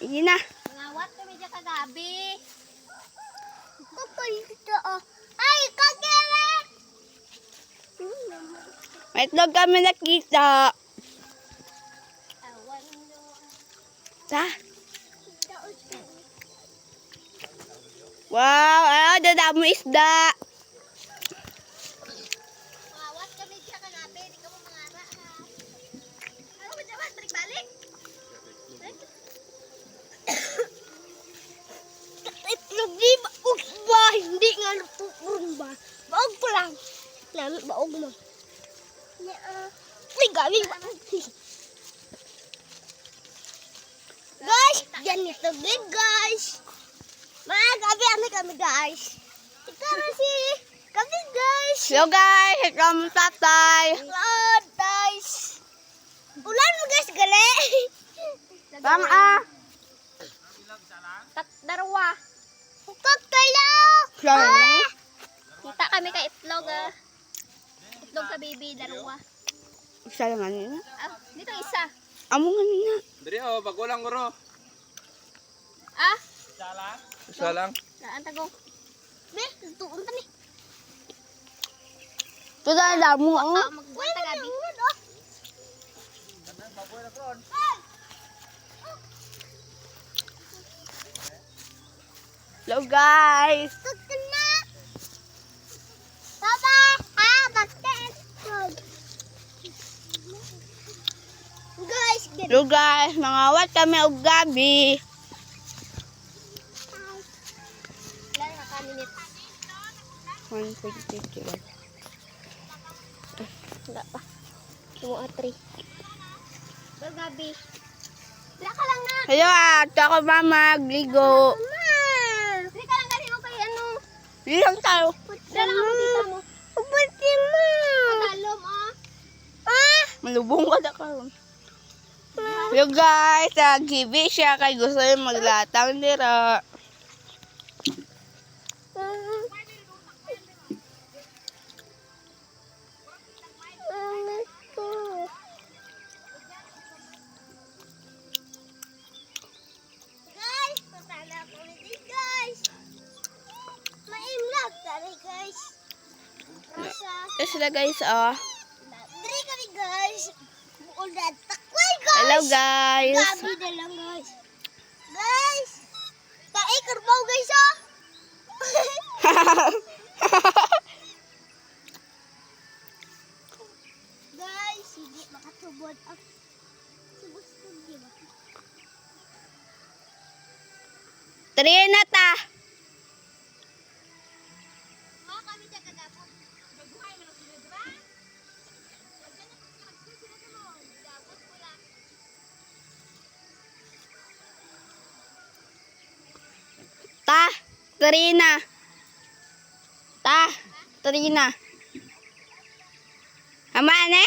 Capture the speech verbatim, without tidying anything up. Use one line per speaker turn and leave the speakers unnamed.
Hindi na.
Ngawat kami dyan kagabi.
Kapal dito oh. Ay, kagere!
May itlog kami nakita.
Awan nyo.
Ta? Wow, ayaw, dadamo isda.
Ngawat kami dyan kagabi. Hindi ka mo mangara ha. Ano ba dyan? Balik balik.
Itlog di baog ba? Hindi nga lutuon ba? Baog ko lang. Namin baog mo. Ay, gabi ba? Guys, yan ito din guys. Mga gabi ano kami guys. Ito na si kami guys.
Hello guys, ito ang tatay.
Lord guys. Ulan mo guys, gali.
Bang ah.
Tat darwa.
Hukot kayo.
Sorry.
Kita kami kay itlog ah. Itlog ka baby, darwa.
Isa lang ano.
Ah, dito isa.
Amo nga na.
Diri oh, bagulang guro.
Ah,
Isa lang.
daan tagong.
Be, lutuon pa ni.
Ito na damo ang.
Ah, magbuwan tagabi.
Hello guys.
Tutok na. Papa, ah, bakit? Guys, ganito.
Hello guys, mangawat kami og gabi.
Ilan na ka minutes?
one point fifty-one.
Wala pa. Tumo at three. Gabi. Wala ka lang na.
Hello ah, ito ako mama, gligo.
Hindi ka lang galing kay ano.
Hindi lang tayo.
Dala ka mo dito mo.
Pati mo.
Matalom ah.
Ah,
Malubong ka na karon. Hello guys, ah, gibi siya kay gusto yung maglatang dira.
guys, patala ko ni guys. Maimlag tari guys. Rasa.
Ito sila guys, ah.
Diri kami guys. Buol na takway guys.
Hello guys.
Gabi na lang guys. Guys. Kai karbaw guys ah. Guys, hindi makatubod ang subustog di ba?
Tariya na ta.
Oh, kami dyan kagapon. Baguhay mo na sila, di ba? Pagka na pagka sila sa mo. Gagapon ko lang.
Ta, Tarina. Ta, Tarina. Ama ne?